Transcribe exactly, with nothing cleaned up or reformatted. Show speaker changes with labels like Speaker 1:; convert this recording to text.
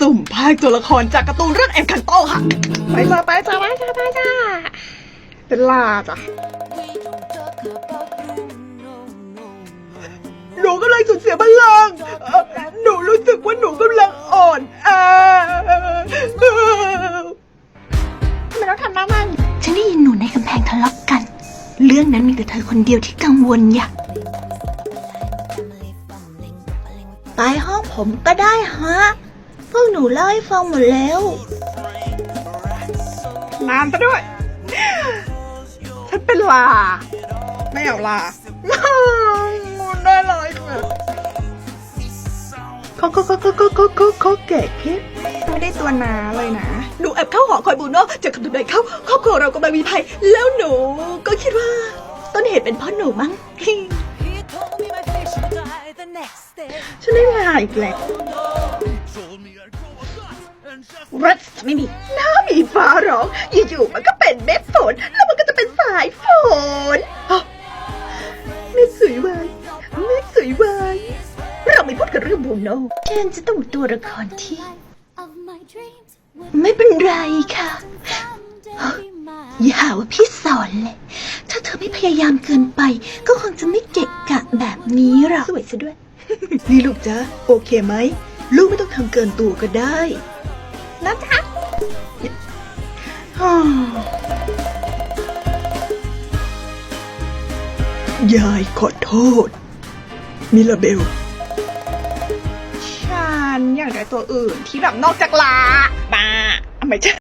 Speaker 1: สุ่มภาคตัวละครจากการ์ตูนเรื่องแอนคันโตค่ะไปจ้าไปจ้าไปจ้าไปจ้าเป็นลาจ้ะหนูกำลังสูญเสียพลังหนูรู้สึกว่าหนูกำลังอ่อนแอทำไมต้องทำหน้ามัน
Speaker 2: ฉันได้ยินหนูในกำแพงทะเลาะกันเรื่องนั้นมีแต่เธอคนเดียวที่กังวลอย่าไปห้องผมก็ได้ฮะพวกหนูเล่าให้ฟังหมดแล้ว
Speaker 1: นานซะด้วย ฉันเป็นลาไม่เอาลาได้เลยค่ะเขาเขาเขาเขาเขาเขาเขาแก่ขึ้นไม่ได้ตัวนาเลยนะหนูแอบเข้าหอคอยบูโน่จากคำทำนายเข้าครอบครัวเรากำลังมีภัยแล้วหนูก็คิดว่าต้นเหตุเป็นเพราะหนูมั้งฉันได้ลาอีกแล้วรัสไม่มีน้ามีฟ้าร้องอยู่ๆมันก็เป็นเม็ดฝนแล้วมันก็จะเป็นสายฝนเม็ดสวยวายเม็ดสวยวายเราไม่พูดกันเรื่องบูโน่
Speaker 2: ฉันจะต้องตัวละครที่ไม่เป็นไรค่ะอย่าหาว่าพี่สอนเลยถ้าเธอไม่พยายามเกินไปก็คงจะไม่เกะกะแบบนี้หรอก
Speaker 1: สวยซะด้วย นี่ลูกจ๊ะโอเคไหมลูกไม่ต้องทำเกินตัวก็ได้นะจ๊ะยายขอโทษมิลาเบลฉันอยากได้ตัวอื่นที่แบบนอกจากลาบ้าไม่ใช่